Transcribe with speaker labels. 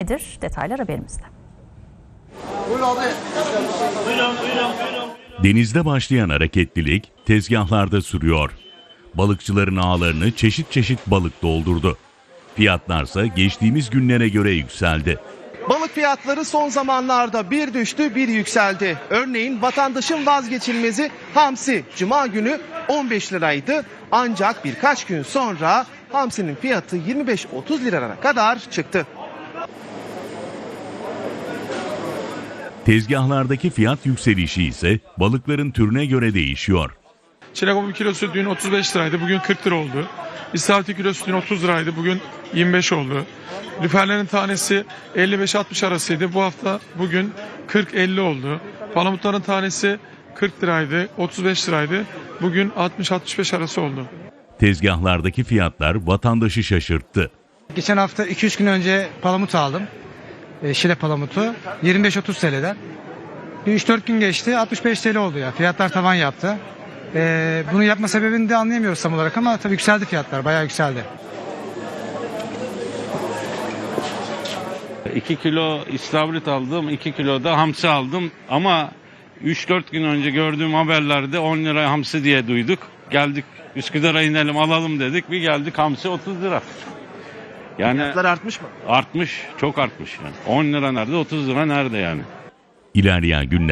Speaker 1: nedir? Detaylar haberimizde.
Speaker 2: Denizde başlayan hareketlilik tezgahlarda sürüyor. Balıkçıların ağlarını çeşit çeşit balık doldurdu. Fiyatlarsa geçtiğimiz günlere göre yükseldi.
Speaker 3: Balık fiyatları son zamanlarda bir düştü bir yükseldi. Örneğin vatandaşın vazgeçilmezi hamsi Cuma günü 15 liraydı. Ancak birkaç gün sonra hamsinin fiyatı 25-30 liralara kadar çıktı.
Speaker 2: Tezgahlardaki fiyat yükselişi ise balıkların türüne göre değişiyor.
Speaker 4: Çinekop'un kilosu dün 35 liraydı, bugün 40 lira oldu. İstavrit kilosu dün 30 liraydı, bugün 25 oldu. Lüferlerin tanesi 55-60 arasıydı, bu hafta bugün 40-50 oldu. Palamutların tanesi 40 liraydı, 35 liraydı, bugün 60-65 arası oldu.
Speaker 2: Tezgahlardaki fiyatlar vatandaşı şaşırttı.
Speaker 5: Geçen hafta 2-3 gün önce palamut aldım. Şile palamutu 25-30 TL'den. 3-4 gün geçti 65 TL oldu ya. Fiyatlar tavan yaptı. Bunu yapma sebebini de anlayamıyoruz tam olarak ama tabii yükseldi fiyatlar. Bayağı yükseldi.
Speaker 6: 2 kilo istavrit aldım, 2 kilo da hamsi aldım ama 3-4 gün önce gördüğüm haberlerde 10 lira hamsi diye duyduk. Geldik Üsküdar'a inelim alalım dedik, bir geldik hamsi 30 lira. Yani
Speaker 3: Fiyatlar artmış mı?
Speaker 6: artmış, çok artmış yani. 10 lira nerede, 30 lira nerede yani?
Speaker 2: İlerleyen günler